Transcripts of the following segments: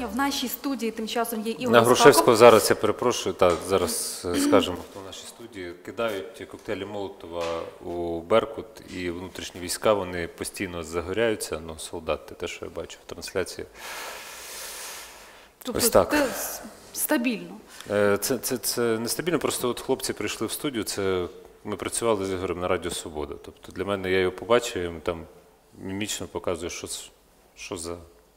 запитання. В нашій студії тим часом є Ігор На Грушевського Остапов. зараз, я перепрошую, зараз скажемо, хто в нашій студії, кидають коктейлі Молотова у Беркут, і внутрішні війська, вони постійно загоряються, ну, солдати, те, що я бачу в трансляції. Тобто Ось так. це стабільно. Це нестабільно, просто от хлопці прийшли в студію, ми працювали з Ігорем на Радіо Свобода. Тобто для мене, я його побачив, і там мімічно показує, що за,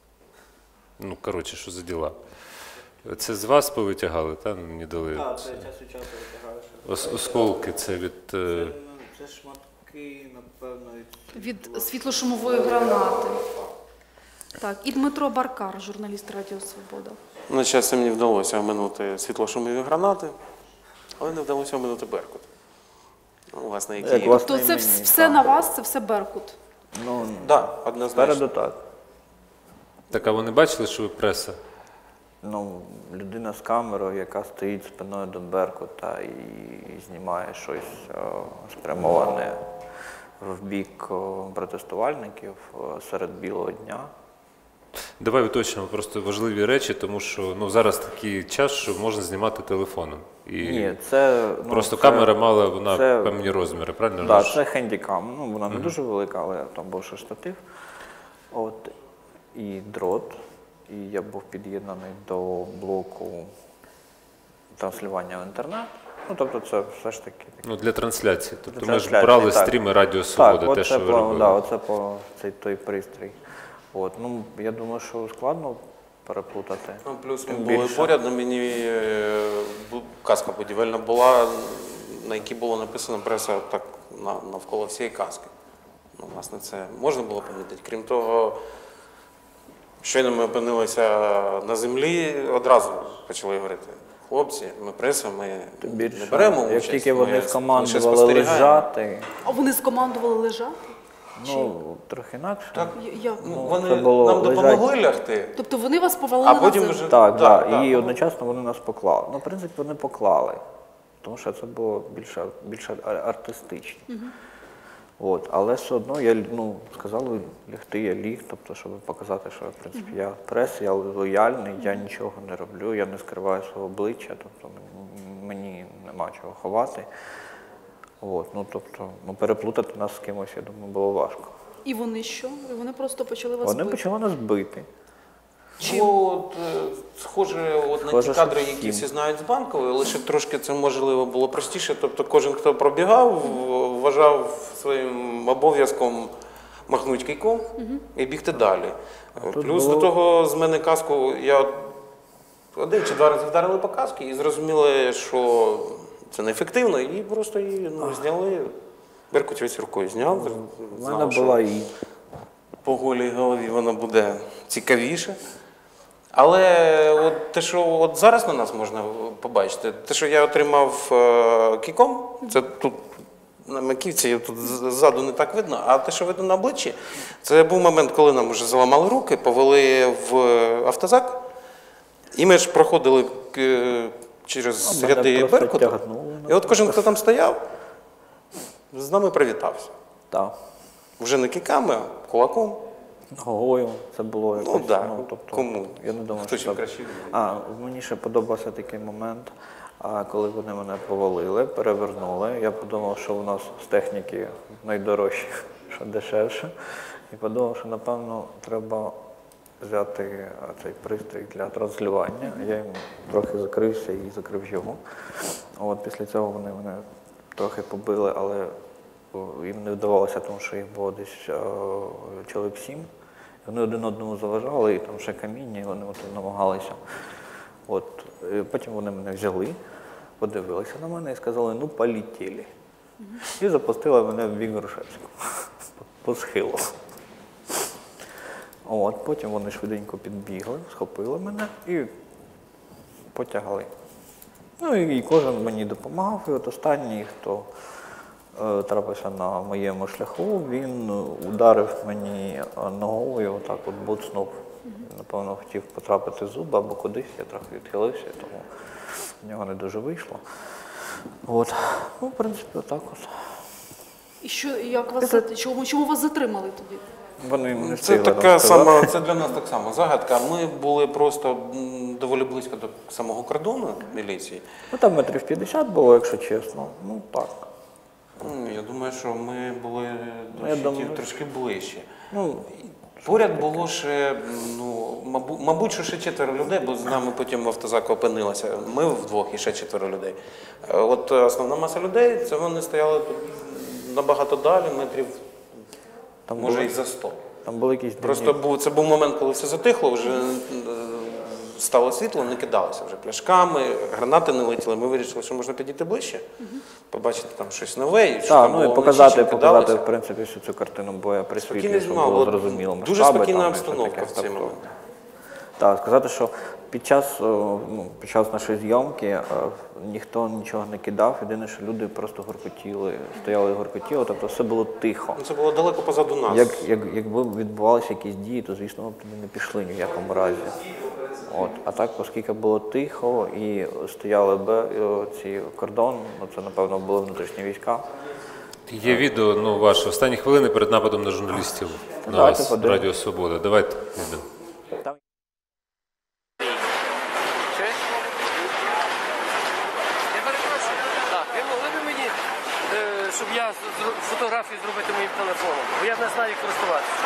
ну, коротше, що за діла. Це з вас повитягали, так? Мені дали. Так, це час від часу витягаєш. Осколки, це від... Це шматки, напевно, Від світлошумової гранати. Так, і Дмитро Баркар, журналіст Радіо Свобода. На щастя, мені вдалося оминути світлошумові гранати, але не вдалося оминути Беркут. Ну, власне, які... Тобто це все на вас, це все Беркут? Ну, Так, однозначно. спереду так. Так, а вони бачили, що ви преса? Ну, людина з камерою, яка стоїть спиною до Беркута і знімає щось спрямоване в бік протестувальників серед білого дня. Давай уточнимо просто важливі речі, тому що ну, зараз такий час, що можна знімати телефоном. І Ні, це... Ну, просто це, камера мала, вона це, певні розміри, правильно? Так, це хендікам. Ну, вона не дуже велика, але там був ще штатив. От, і дрот. І я був під'єднаний до блоку транслювання в інтернет. Ну, тобто це все ж таки... Ну, для трансляції. Тобто для ми ж трансляції, брали так. стріми Радіо Свобода, так, те, що ви по, робили. да, оце по той пристрій. От, ну, я думаю, що складно переплутати. Ну, плюс ми Тим були більше. поряд, на мені каска будівельна була, на якій було написано преса так навколо всієї каски. Ну, власне, це можна було помітити. Крім того, щойно ми опинилися на землі, одразу почали говорити: хлопці, ми преса, ми не беремо участь. Як тільки ми вони лише скомандували спостерігаємо. лежати, А вони скомандували лежати? ну, трохи інакше. Так. Як? Ну, це вони було нам допомогли лягти, Тобто вони вас повалили а на потім землю? вже... Так, да, так, і да. одночасно вони нас поклали. Ну, в принципі, вони поклали, тому що це було більше артистично. От, але все одно я, ну, сказали лягти, я ліг, тобто, щоб показати, що, в принципі, я прес, я лояльний, я нічого не роблю, я не скриваю свого обличчя, тобто мені нема чого ховати. От, ну, тобто, ну, переплутати нас з кимось, я думаю, було важко. І вони що? І вони просто почали вас Вони бити? почали нас бити. Ну, от, схоже, от на Схоже, ті кадри, що які всім. всі знають з Банкової, лише трошки це можливо було простіше. Тобто кожен, хто пробігав, вважав своїм обов'язком махнути кийком і бігти далі. Плюс було- до того з мене каску, я один чи два рази вдарили по касці і зрозуміли, що це неефективно, і просто її зняли. Беркутівець рукою зняв. У мене знав, що була і по голій голові воно буде цікавіше. Але от те, що от зараз на нас можна побачити, те, що я отримав кіком, це тут на маківці, тут ззаду не так видно, а те, що видно на обличчі, це був момент, коли нам вже заламали руки, повели в автозак, і ми ж проходили через мене ряди просто Беркуту. тягнули, І от кожен, хто там стояв, з нами привітався. так, Вже не кіками, а кулаком. ногою це було якось. Ну, да. Тобто, Кому? я не думаю, Хто що чим так. краще Мені ще подобався такий момент, коли вони мене повалили, перевернули. Я подумав, що у нас з техніки найдорожче, що дешевше. І подумав, що, напевно, треба взяти цей пристрій для транслювання. Я їм трохи закрився і закрив його. От після цього вони мене трохи побили, але їм не вдавалося, тому що їх було десь чоловік 7. Вони один одному заважали, і там ще каміння, і вони от намагалися. От, потім вони мене взяли, подивилися на мене і сказали: ну, полетіли. І запустили мене в бік Грушевського, по схилу. От, потім вони швиденько підбігли, схопили мене і потягли. Ну і кожен мені допомагав, і от останній, хто трапився на моєму шляху, він ударив мені ногою, отак от буцнув. Напевно, хотів потрапити в зуби або кудись, я трохи відхилився, тому в нього не дуже вийшло. От. Ну, в принципі, отак от. І що, як вас, чому вас затримали тоді? Вони не Це встигли така нам сказати. сама, це для нас так само загадка. Ми були просто доволі близько до самого кордону міліції. Ну там метрів 50 було, якщо чесно. Ну так. Я думаю, що ми були до я щитів думаю, трошки ближче. Ну, Поряд було ще, мабуть, що ще 4 людей, бо з нами потім в автозаку опинилося. Ми вдвох і ще 4 людей. От основна маса людей, це вони стояли тут набагато далі, метрів, там може, були, і за 100. там були якісь дивні- Просто це був момент, коли все затихло, вже стало світло, не кидалося вже пляшками, гранати не летіли. Ми вирішили, що можна підійти ближче, побачити там щось нове. І що Так, там ну і було показати, вночі, чи кидалося. в принципі, всю цю картину боя при світлі, Спокійний щоб знімав, було було зрозуміло. дуже масштаби спокійна там і все обстановка таке. в цей Тобто, момент. Так, сказати, що під час нашої зйомки ніхто нічого не кидав, єдине, що люди просто горкотіли, стояли і горкотіли, тобто все було тихо. Ну, це було далеко позаду нас. Якби відбувалися якісь дії, то, звісно, ми б туди не пішли ні в якому разі. От. А так, оскільки було тихо і стояли ці кордон, ну, це, напевно, були внутрішні війська. Є відео, ну, ваше, останні хвилини перед нападом на журналістів на Давайте вас, подивимось. Радіо Свобода. Давайте. Відео. Там Я перепрошую. Так, ви могли б мені, щоб я фотографію зробити моїм телефоном, бо я не знаю, як користуватися.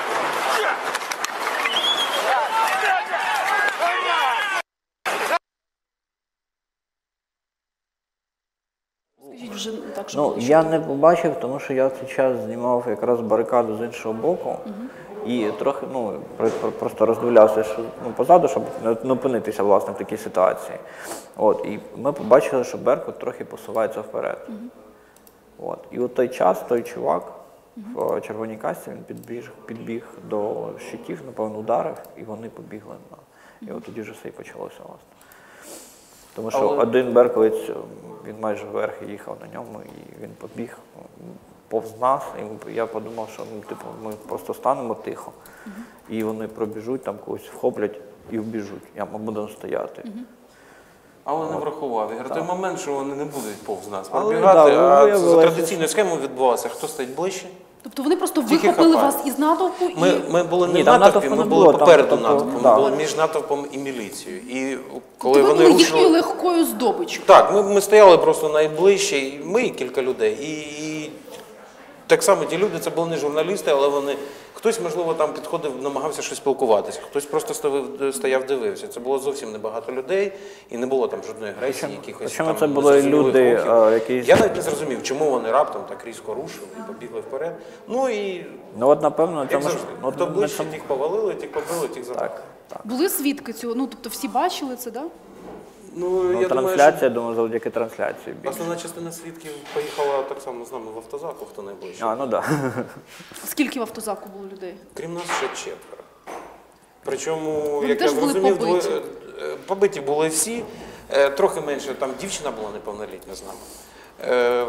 Скажіть вже так, щоб Ну, було я не побачив, тому що я в цей час знімав якраз барикаду з іншого боку. І трохи, просто роздивлявся що, позаду, щоб не опинитися, власне, в такій ситуації. От, і ми побачили, що Беркут трохи посувається вперед. От. І от той час, той чувак в червоній касці, він підбіг до щитів, напевно, ударив, і вони побігли. І от тоді вже все і почалося, власне. Тому що один берковець, він майже вверх їхав на ньому, і він побіг повз нас, і я подумав, що ми просто станемо тихо, і вони пробіжуть, там когось вхоплять і вбіжуть, ми будемо стояти. Але не врахував. Ігор, той момент, що вони не будуть повз нас Але, пробігати, да, а виявилося, за традиційною схемою відбувалося, хто стоїть ближче. Тобто вони просто Тільки вихопили хапають. вас із натовпу і... Ми були не Ні, в там натовпі, натовпу ми не були було, там, попереду тобто, натовпу, да. ми були між натовпом і міліцією. І коли Тобто ви вони були їхньою рушили... легкою здобиччю. Так, ми стояли просто найближче, і ми і кілька людей. І так само ті люди, це були не журналісти, але вони... Хтось, можливо, там підходив, намагався щось спілкуватися, хтось просто стояв, дивився. Це було зовсім небагато людей, і не було там жодної агресії, якихось Причому там це були незрозумілих люди, рухів. якісь... Я навіть не зрозумів, чому вони раптом так різко рушили і побігли вперед. Ну і, Ну от, напевно, як цьому завжди, хто на ближче, цьому- тих повалили, тих побили, тих забрали. Так. Були свідки цього? Ну, тобто всі бачили це, так? Да? Ну, я думаю, Трансляція, що думаю, завдяки трансляції більше. основна частина свідків поїхала так само з нами в автозаку, хто найближче. Ну так. Скільки в автозаку було людей? Крім нас ще 4. Причому, Вони як теж я були зрозумів, побиті? побиті були всі. Трохи менше, там дівчина була неповнолітня з нами.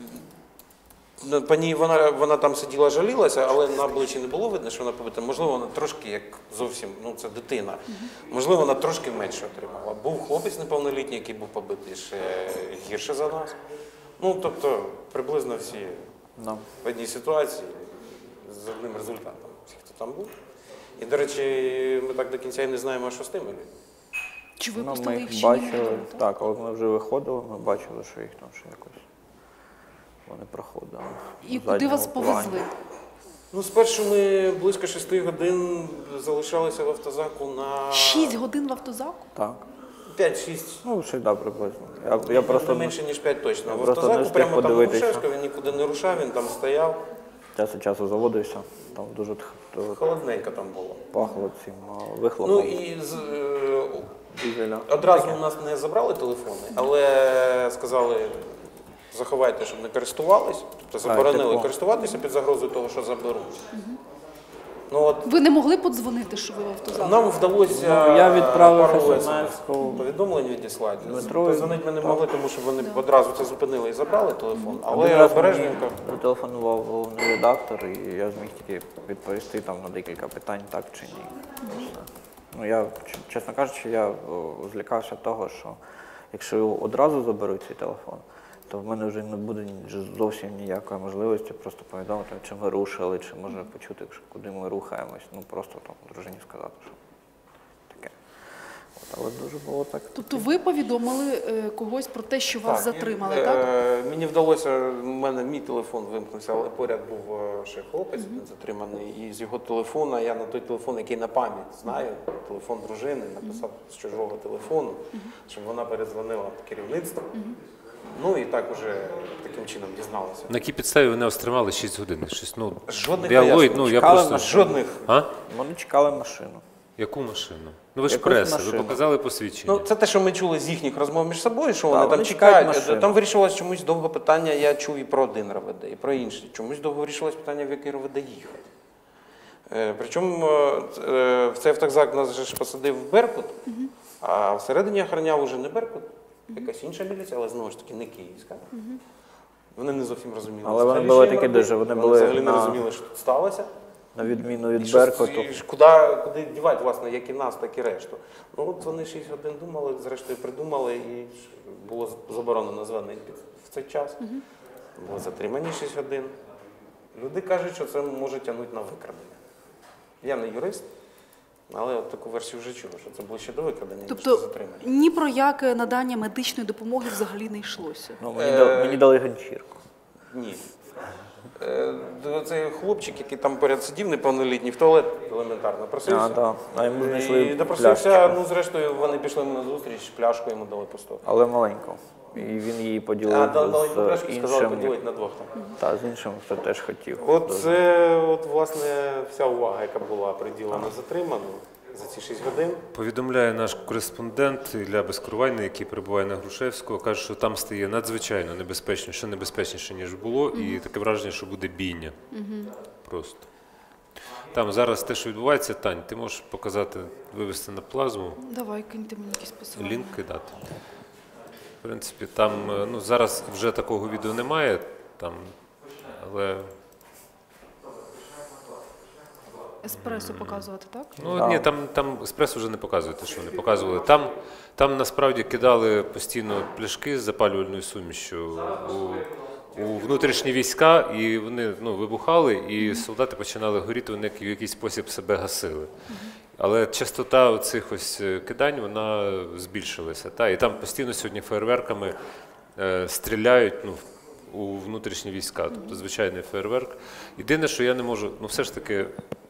По ній вона там сиділа, жалілася, але на обличчі не було видно, що вона побита. Можливо, вона трошки, як зовсім, ну це дитина, можливо, вона трошки менше отримала. Був хлопець неповнолітній, який був побитий ще гірше за нас. Ну, тобто, приблизно всі Ну. в одній ситуації з одним результатом, всі, хто там був. І, до речі, ми так до кінця і не знаємо, що з тими людьми. Чи Ну, випустили ми їх їх чи ні? бачили, так, коли ми вже виходили, ми бачили, що їх там ще якось вони проходили. І на куди задньому вас плані. повезли? Ну, спершу ми близько 6 годин залишалися в автозаку на 6 годин в автозаку? Так. 5-6. Ну, ще да, приблизно. Я просто Не менше, ніж 5 точно. я В просто не автозаку встиг прямо там на подивитися. Грушевська, він нікуди не рушав, він там стояв. час від часу заводився, там дуже Холодненько там було. пахло цим вихлопом. Ну і дизеля. одразу у нас не забрали телефони, але сказали, заховайте, щоб не користувались. Тобто заборонили типу. користуватися під загрозою того, що заберуть. Ну, от, Ви не могли подзвонити, що ви в автозаку? нам вдалося Ну, я відправив пару SMS-ку повідомлень відіслати. Дмитру. Позвонити ми не могли, тому що вони одразу це зупинили і забрали телефон. Один Але раз обережненько. мені зателефонував головний редактор, і я зміг тільки відповісти там на декілька питань, так чи ні. І все. Ну, я, чесно кажучи, я злякався того, що якщо його одразу заберуть цей телефон, то в мене вже не буде зовсім ніякої можливості просто повідомити, чи ми рушили, чи може почути, куди ми рухаємось. Ну просто там дружині сказати, що таке. От, але дуже було так. Тобто ви повідомили когось про те, що вас затримали, так? Мені вдалося, в мене мій телефон вимкнувся, але поряд був ще хлопець затриманий, і з його телефона, я на той телефон, який на пам'ять знаю, телефон дружини, написав з чужого телефону, щоб вона передзвонила в керівництво. Ну і так уже таким чином дізналася. На якій підставі вони вас тримали 6 годин? Щось, ну, Жодних я пояснень. ну, я Чекали просто... на Жодних. А? Вони чекали машину. Яку машину? Ну ви ж Якусь преса, ви машину. показали посвідчення. Ну, це те, що ми чули з їхніх розмов між собою, що Так, вони там вони чекають чекають. машину. Там вирішилось чомусь довго питання, я чув і про один РОВД, і про інший. Чомусь довго вирішилось питання, в який РОВД їхати. Причому в цей автозак нас же ж посадив Беркут, а всередині охороняв уже не Беркут, якась інша міліція, але знову ж таки не київська. Вони не зовсім розуміли. Але вони взагалі, були що їм такі робити. дуже, вони Вони були взагалі не на- розуміли, що тут сталося. На відміну І від що- Беркуту. і куди дівати, власне, як і нас, так і решту. Ну от вони 6 годин думали, зрештою придумали, і було заборонено званий в цей час. Були затримані 6 годин. Люди кажуть, що це може тягнути на викрадення. Я не юрист, але от таку версію вже чув, що це було ще до викрадення, ніж до Тобто затримання. ні про яке надання медичної допомоги взагалі не йшлося. Ну, мені дали ганчірку. Ні. Цей хлопчик, який там поряд сидів, неповнолітній, в туалет елементарно просився. А, так. А йому знайшли І допросився, пляшечку. ну зрештою вони пішли на зустріч, пляшку йому дали пусту. Але маленьку. І він її поділив Дали пляшку з і сказали іншим. поділити на двох. Там. Та, з іншим, хто теж хотів. От це, от, власне, вся увага, яка була приділена затриману за ці 6 годин. Повідомляє наш кореспондент Ілля Безкоровайний, який перебуває на Грушевського, каже, що там стає надзвичайно небезпечно, ще небезпечніше, ніж було, і таке враження, що буде бійня. Просто. Там зараз те, що відбувається, Тань, ти можеш показати, вивести на плазму, Давай, киньте мені якісь посилання. лінк кидати. В принципі, там, ну, зараз вже такого відео немає, там, але... Еспресо показувати, так? Ну ні, там еспресо вже не показують, те, що вони показували. Там насправді кидали постійно пляшки з запалювальною сумішчю у внутрішні війська, і вони вибухали, і солдати починали горіти, вони в якийсь спосіб себе гасили. Але частота цих ось кидань, вона збільшилася. Та, і там постійно сьогодні фейерверками стріляють у внутрішні війська, тобто звичайний фейерверк. Єдине, що я не можу, все ж таки,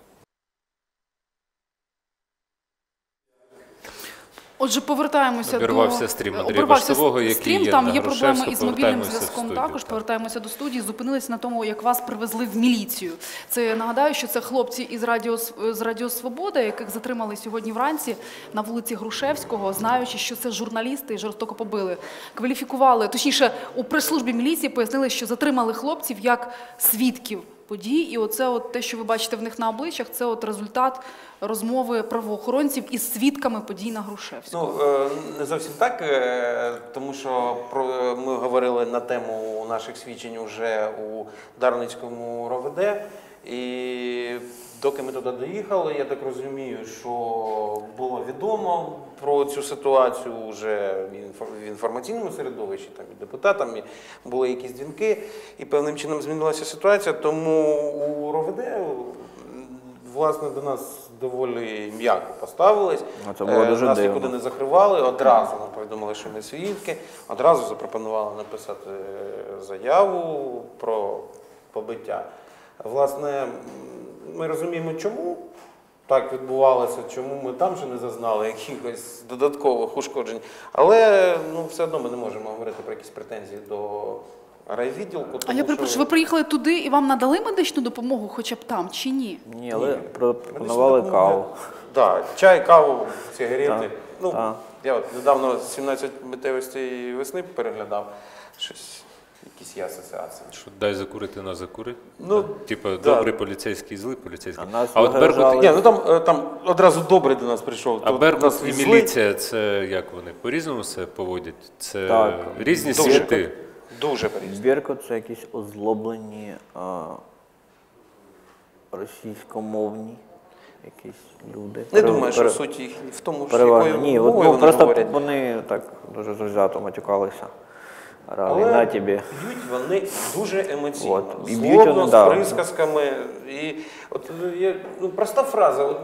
Отже, повертаємося обірвався стрім Андрія обірвався Баштового, який стрім, є там на є проблеми Грушевську. із мобільним Повертаємося в зв'язком студію, також. так. Повертаємося до студії. Зупинилися на тому, як вас привезли в міліцію. Це, нагадаю, що це хлопці з Радіо Свобода, яких затримали сьогодні вранці на вулиці Грушевського, знаючи, що це журналісти, і жорстоко побили. Кваліфікували, точніше, у прес-службі міліції пояснили, що затримали хлопців як свідків подій. І оце от те, що ви бачите в них на обличчях, це от результат розмови правоохоронців із свідками подій на Грушевського. Не зовсім так, тому що ми говорили на тему наших свідчень вже у Дарницькому РОВД, і доки ми туди доїхали, я так розумію, що було відомо про цю ситуацію вже в інформаційному середовищі, там і депутатам, і були якісь дзвінки, і певним чином змінилася ситуація, тому у РОВД, власне, до нас доволі м'яко поставились. Це було дуже нас дивно. нікуди не закривали, одразу нам повідомили, що ми свідки, одразу запропонували написати заяву про побиття. Власне, ми розуміємо, чому так відбувалося, чому ми там ще не зазнали якихось додаткових ушкоджень, але все одно ми не можемо говорити про якісь претензії до райвідділку. А тому я перепрошую, що ви приїхали туди і вам надали медичну допомогу хоча б там, чи ні? Ні, але пропонували каву. Так, чай, каву, сигарети. Так. Я от недавно 17 миттєвостей весни переглядав, щось, якісь є асоціації. що дай закурити, на закури. Типа, да. добрий поліцейський, злий поліцейський. А нас от Беркут, вигрожали. Ні, там одразу добрий до нас прийшов. а Тут Беркут нас і везли. міліція, це як вони, по-різному себе поводять? Це Так. різні Дуже. світи. Дуже по-різному. Беркут – це якісь озлоблені російськомовні якісь люди. Не думаю, що суть їх в тому, що переважно. якою Ні, мовою вони просто говорять. вони так дуже завзято матюкалися. Раві, Але на тобі. б'ють вони дуже емоційно, От, і б'ють злобно, вони, з да. присказками. І от є проста фраза. От,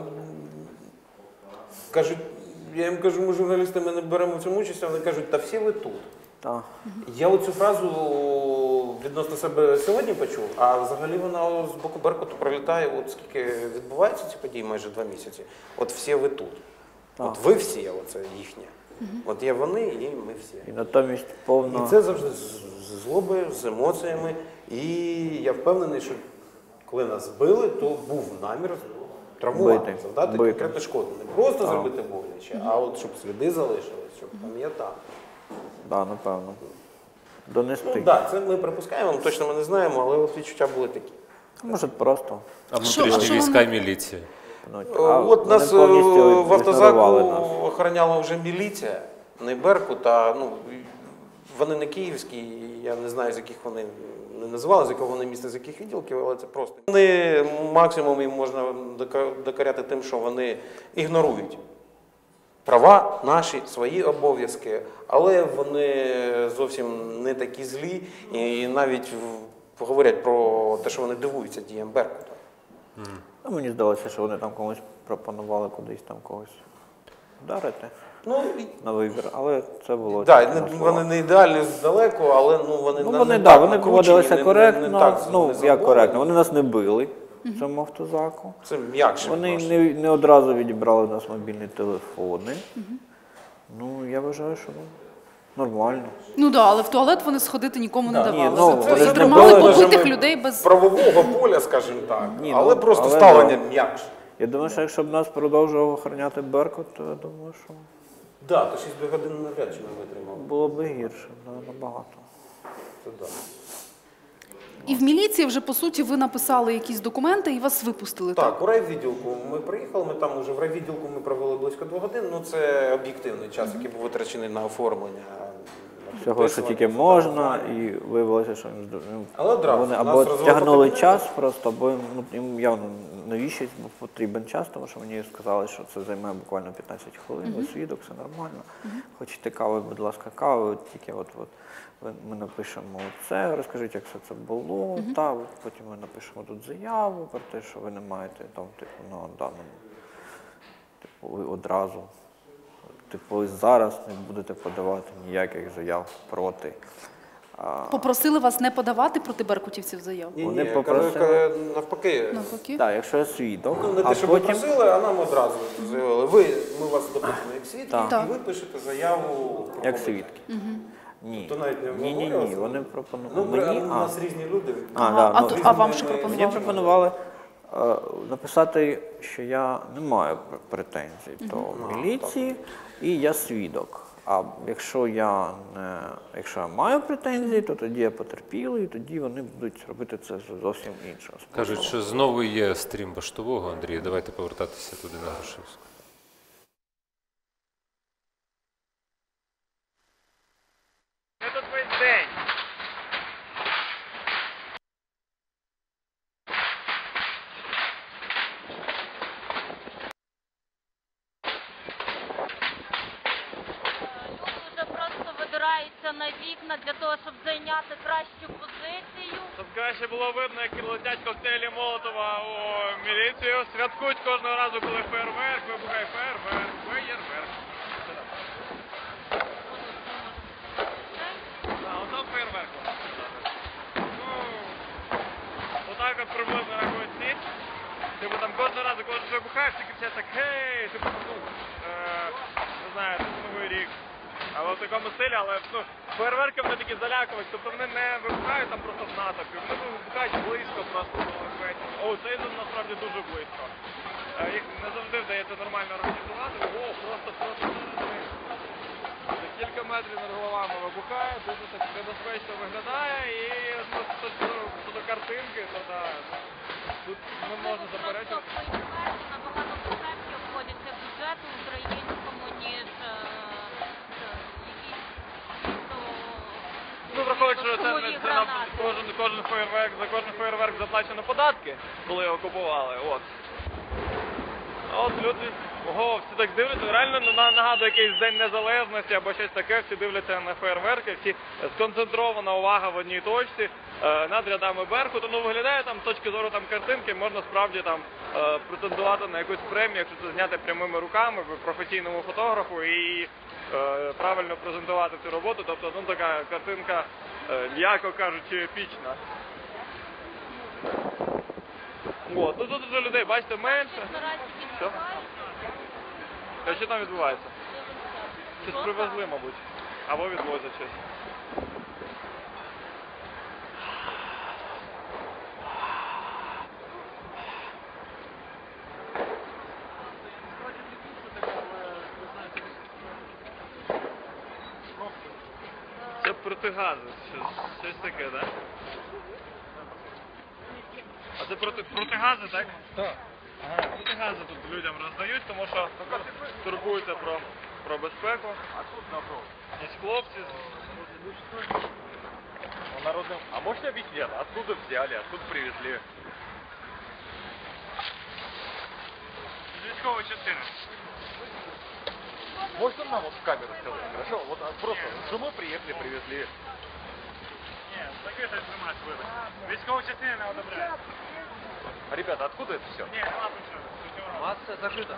кажуть, я їм кажу, ми журналісти, ми не беремо в цьому участь, а вони кажуть, та всі ви тут. Так. Я оцю фразу відносно себе сьогодні почув, а взагалі вона з боку Беркуту пролітає, от скільки відбуваються ці події, майже 2 місяці. От всі ви тут. От ви всі, оце їхнє. От є вони і ми всі. І натомість повно... І це завжди з злобою, з емоціями. І я впевнений, що коли нас били, то був намір травмувати, Бити. завдати Бити. конкретну шкоду. Не просто зробити боляче, а от щоб сліди залишились, щоб пам'ятав. Да, напевно. Донести. Ну так, це ми припускаємо, точно ми не знаємо, але от відчуття були такі. Може просто. А Що внутрішні війська і вони- міліція. От нас вони повністю в автозаку ігнорували нас. охороняла вже міліція, не Беркут, а вони не київські, я не знаю, з яких вони не називали, з якого вони міста, з яких відділків, але це просто. Вони максимум їм можна докоряти тим, що вони ігнорують права наші, свої обов'язки, але вони зовсім не такі злі і навіть говорять про те, що вони дивуються діям Беркута. Ну, мені здалося, що вони там комусь пропонували кудись там когось вдарити Ну, на вибір, але це було... так, тільки на вони словах. не ідеальні здалеку, але вони Ну, не вони, так да, вони накручені, поводилися коректно, не так ну, як незадоволені. коректно, вони нас не били в цьому автозаку. Це м'якше. Вони відносно. не одразу відібрали у нас мобільні телефони. Ну, я вважаю, що нормально. Ну так, але в туалет вони сходити нікому не Ні, давали. ну, Це вони ж тримали не були побитих межами людей без... правового поля, скажімо так, Ні, але ну, просто але ставлення да. м'якше. Я думаю, що якщо б нас продовжував охороняти Беркут, то я думаю, що Так, то 6 годин навряд чи не витримав. було б гірше, набагато. Це да. І в міліції вже, по суті, ви написали якісь документи і вас випустили, так? Так, у райвідділку ми приїхали, ми там уже в райвідділку ми провели близько 2 годин, ну це об'єктивний час, який був витрачений на оформлення. на Всього, що тільки підписування, можна, фотографування. і виявилося, що Але одразу вони нас або розвели тягнули по час просто, або їм явно навіщо був потрібен час, тому що мені сказали, що це займе буквально 15 хвилин, ви свідок, все нормально. Хочете кави, будь ласка, кави, тільки от ми напишемо це, розкажіть, як все це було, та потім ми напишемо тут заяву про те, що ви не маєте там, типу, на даному, типу, ви одразу. Типу, ви зараз не будете подавати ніяких заяв проти. Попросили вас не подавати проти беркутівців заяв? Ні, Вони ні, попросили- навпаки. Навпаки? Так, якщо я свідок, Ну, не а те, що ви потім... просили, а нам одразу заявили. Ми вас допустимо як свідки, Так. і ви пишете заяву про Як побиття. свідки. Ні. То навіть не Ні, обговорювалося? вони Ну, пропонували. у нас різні люди. А вам що Мені пропонували? пропонували написати, що я не маю претензій до міліції і я свідок. А якщо я маю претензії, то тоді я потерпілий, і тоді вони будуть робити це зовсім іншого способу. Кажуть, що знову є стрім Баштового, Андрій, давайте повертатися туди на Грушевську. Це тут весь день. Люди вже просто видираються на вікна для того, щоб зайняти кращу позицію. Щоб краще було видно, як летять коктейлі Молотова у міліцію. Святкують кожного разу, коли фейерверк, вибухає фейерверк. Отам фейерверк. Ну, отак от приблизно рахують ніч. Типу там кожного разу, коли щось вибухає, всі кричать так, гей, типу, не знаю, це Новий рік. Але в такому стилі, але фейерверки вони такі залякують, тобто вони не вибухають там просто в натовпі, вони вибухають близько просто до весь. О, цей насправді дуже близько. Їх не завжди вдається нормально організувати, просто за кілька метрів над головами вибухає, дуже так небезпечно виглядає і щодо картинки, то так, тут не можна заперечувати. Фейерверки набагато дешевші обходяться бюджету українському, ніж Ну, враховуючи, що це шумові на гранати. кожен фейерверк, за кожен фейерверк заплачено податки, коли його купували, от. От люди, ого, всі так дивляться, реально нагадує якийсь День Незалежності або щось таке, всі дивляться на фейерверки, всі сконцентрована увага в одній точці, над рядами Беркуту. Ну, виглядає там, з точки зору там картинки, можна справді там претендувати на якусь премію, якщо це зняти прямими руками, професійному фотографу і правильно презентувати цю роботу. Тобто, ну, така картинка, м'яко кажучи, епічна. От, ну тут вже людей, бачите, менше. Що? А що там відбувається? Щось привезли, мабуть. Або відвозять щось. Це протигази, щось таке, так? А це протигази, так? Так. Ага, протигази тут людям роздають, тому що турбуються про безпеку. А тут напротив. Є хлопці. А можете объяснить, откуда взяли, откуда привезли? З військової частини. Можно нам вот в камеру сказать, хорошо? Вот просто с женой приехали, привезли. Нет, закрытая информация выбрать. Військової частини не одобряють. Ребята, откуда это все? Нет, масса закрыта.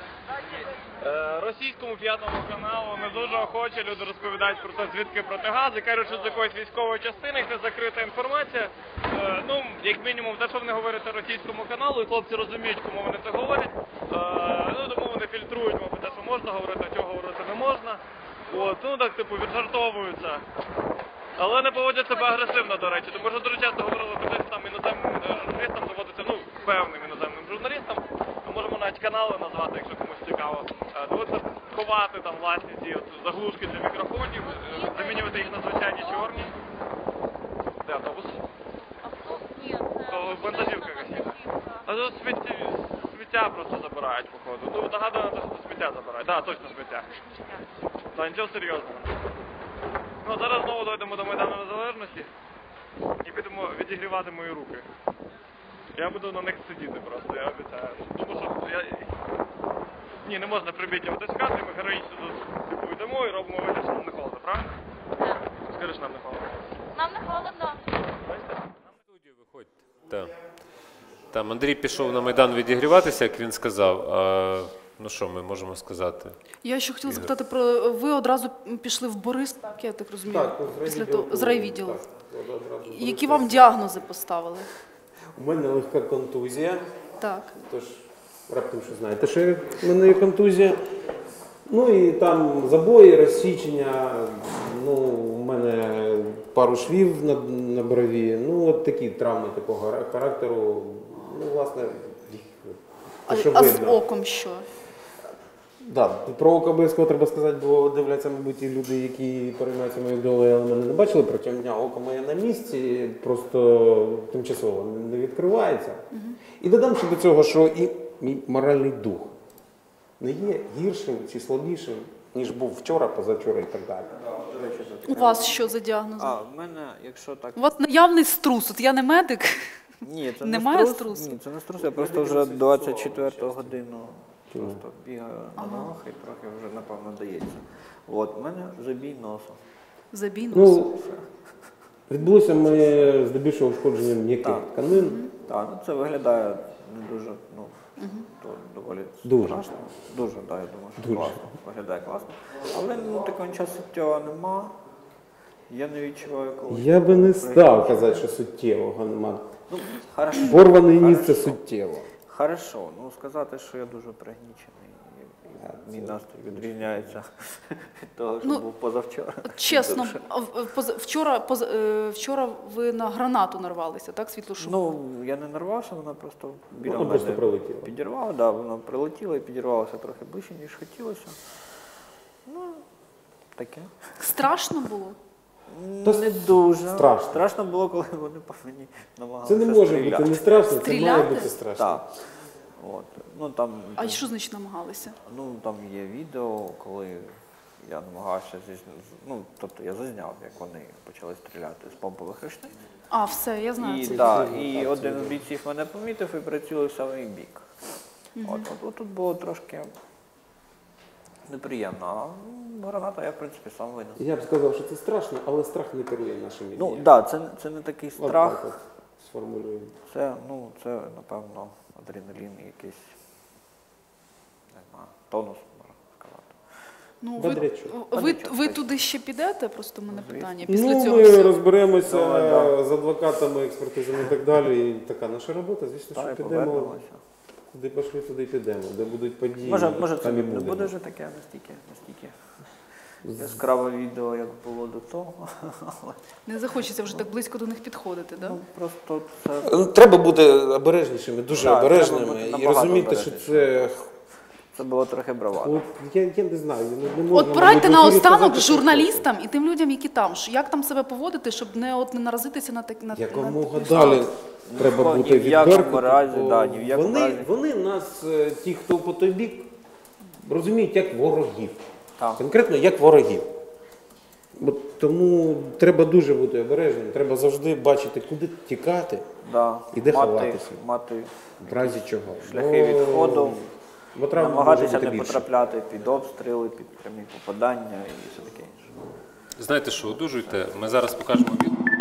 Російському п'ятому каналу не дуже охоче люди розповідають про те, звідки протигази. Кажуть, що з якоїсь військової частини, це закрита інформація. Ну, як мінімум, те, що вони говорять російському каналу, і хлопці розуміють, кому вони це говорять. Ну, тому вони фільтрують, мабуть, те, що можна говорити, а чого говорити не можна. От, ну, так, типу, віджартовуються. Але не поводять себе агресивно, до речі. Тому що дуже часто говорили про те, що там іноземним журналістам доводиться, ну, певним іноземним журналістам, ми можемо навіть канали назвати, якщо комусь цікаво. Доводиться ховати там власні ці от заглушки для мікрофонів, замінювати їх на звичайні чорні. Де автобус? Ні, То вантажівка якась. А тут сміття просто забирають, походу. Ну, нагадую, що сміття забирають. Так, точно сміття. Та нічого серйозного. Ну, зараз знову дойдемо до Майдану Незалежності і підемо відігрівати мої руки. Я буду на них сидіти просто, я обіцяю. Тому що я... Ні, не можна прибіднюватись в кадрі, ми героїчно тут типу, йдемо і робимо вигляд, що нам не холодно, правильно? Так. Скажи, що нам не холодно. Нам не холодно. Бачите? В студію виходьте. Так. Там Андрій пішов на Майдан відігріватися, як він сказав. Ну що ми можемо сказати? Я ще хотіла запитати про ви одразу пішли в Борис, так я так розумію, Так, після того з райвідділу. Так, одразу з Які Борису. вам діагнози поставили? У мене легка контузія, Так. тож раптом що знаєте, що в мене є контузія. Ну і там забої, розсічення, ну, у мене пару швів на брові, ну от такі травми такого характеру, ну, власне, те, що А з видно. оком що? Да, про око обов'язково треба сказати, бо дивляться, мабуть, ті люди, які переймаються моєю долею, але мене не бачили протягом дня. Око моє на місці, просто тимчасово не відкривається. І додам ще до цього, що і мій моральний дух не є гіршим чи слабішим, ніж був вчора, позавчора і так далі. У вас що за діагнози? А, в мене, якщо так... У вас наявний струс, от я не медик. Ні, це Немає не струсу? Ні, це не струс, я просто вже 24 годину просто бігаю на ногах і трохи вже, напевно, дається. От, в мене забій носу. Забій носу. Ну, відбулося моє здебільшого ушкодження м'яких Так. тканин. Так, ну це виглядає не дуже, ну, то доволі Дуже. страшно. Дуже, так, я думаю, що Дуже. класно. Виглядає класно. Але ну, такого нічого суттєвого нема. Я не відчуваю коли. Я би не став казати, що суттєвого нема. Ну, хорошо. Порваний ніс це Хорошо. суттєво. Хорошо, ну сказати, що я дуже пригнічений, і мій настрій відрізняється від того, що Ну, був позавчора. От чесно, Дуже. вчора ви на гранату нарвалися, так, світлошу? Ну, я не нарвався, вона просто біля Вона мене просто прилетіла. підірвала, да, вона прилетіла і підірвалася трохи ближче, ніж хотілося. Ну, таке. Страшно було? Та Не дуже. страшно. Страшно було, коли вони по мені намагалися Це не може стріляти. бути не страшно, це має Стріляти? бути страшно. Так. От. Ну, там, А що значить намагалися? ну, там є відео, коли я намагався ну, тобто я зазняв, як вони почали стріляти з помпових рушниць. А, все, я знаю І, це. да, і один з бійців мене помітив і прицілив в самий бік. От тут було трошки неприємно. А граната я, в принципі, сам винен. Я б сказав, що це страшно, але страх не керує нашими Ну, діями. так, це не такий От страх. так от сформулюємо. Це, напевно, адреналін якийсь, не знаю, тонус, можна сказати. Ну, Бодрячок. ви туди ще підете? Просто в мене питання. Ну, Після цього ми всього. розберемося Да. з адвокатами, експертизами і так далі. І така наша робота, звісно, Так, що і підемо. повернемося. Куди пішли, туди й підемо. Де будуть події, Може це там і не будемо. буде вже таке настільки яскраве відео, як було до того. Але Не захочеться вже так близько до них підходити, да? просто це, Треба бути обережнішими, дуже Так, треба обережними. бути І набагато розуміти, що це. це було трохи бравado. От, я не знаю, не можна, От порадьте мабуть, в ефірі наостанок сказати, що журналістам і тим людям, які там. Як там себе поводити, щоб не наразитися на такі на якомога на- далі треба Ні бути в якому відвертим. разі, бо да, ні в якому разі. вони нас, ті, хто по той бік, розуміють як ворогів. Так. Конкретно як ворогів. Тому треба дуже бути обережним, треба завжди бачити, куди тікати Да, і де ховатися. мати В разі чого. шляхи відходу, Бо травм може намагатися бути не більше. потрапляти під обстріли, під прямі попадання і все таке інше. Знаєте що, одужуйте, ми зараз покажемо відео.